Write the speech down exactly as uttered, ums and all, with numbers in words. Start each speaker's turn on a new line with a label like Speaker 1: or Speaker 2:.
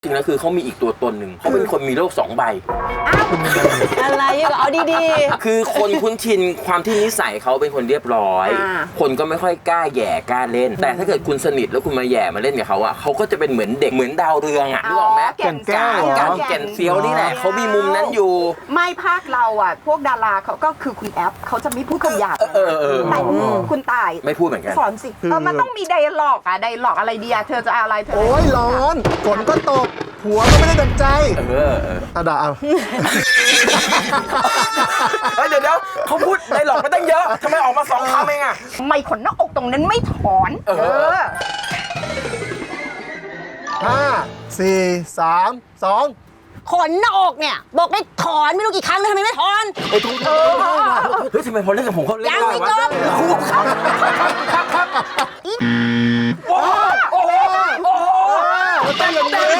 Speaker 1: จริงแล้วคือเขามีอีกตัวตนหนึ่งเขาเป็นคนมีโลกสองใบ
Speaker 2: อะไรก็เอาดี
Speaker 1: ๆคือคนคุ้นชินความที่นิสัยเขาเป็นคนเรียบร้อย คนก็ไม่ค่อยกล้าแย่กล้าเล่น แต่ถ้าเกิดคุณสนิทแล้วคุณมาแย่มาเล่นกับเขาอะเขาก็จะเป็นเหมือนเด็กเหมือนดาวเรืองอะนึกออกไหม
Speaker 3: แก่นแก้ว
Speaker 1: การแก่นเซียวนี่แหละเขามีมุมนั้นอยู่
Speaker 3: ไม่ภาคเราอ่ะพวกดาราเขาก็คือคุณแอปเขาจะไม่พูดคำหยาบ
Speaker 1: เออเออ
Speaker 3: แต่คุณตาย
Speaker 1: ไม่พูดเหมือนกัน
Speaker 3: สอนสิเออมันต้องมีไดอะล็อกอะไดอะล็อกอะไรดีอะเธอจะเอาอะไรเธอ
Speaker 4: โอ้ยร้อนฝนก็ตกหัวก็ไม่ได้ดังใจ
Speaker 1: เออเออ
Speaker 4: อ่ะด่าเอา
Speaker 1: เฮ้ยเดี๋ยวเดี๋ยวเขาพูดในหลอกมาตั้งเยอะทำไมออกมาสองคำเองอะ
Speaker 3: ไม่ขนหน้าอกตรงนั้นไม่ถอน
Speaker 1: เออ
Speaker 4: ห้าสี่สามสอง
Speaker 2: ๆขนหน้าอกเนี่ยบอกได้ถอนไม่รู้กี่ครั้งแล้วทำไมไม่ถอน
Speaker 1: เฮ้ยทุกเออเฮ้ยทำไมพอเล่นกับผมเขาเล่น
Speaker 2: ยัง
Speaker 1: ได้
Speaker 2: ไม่
Speaker 1: วะ
Speaker 2: จบ
Speaker 1: ครูครับโอ้โหโอ้โหโอ้โหเต้นเต้น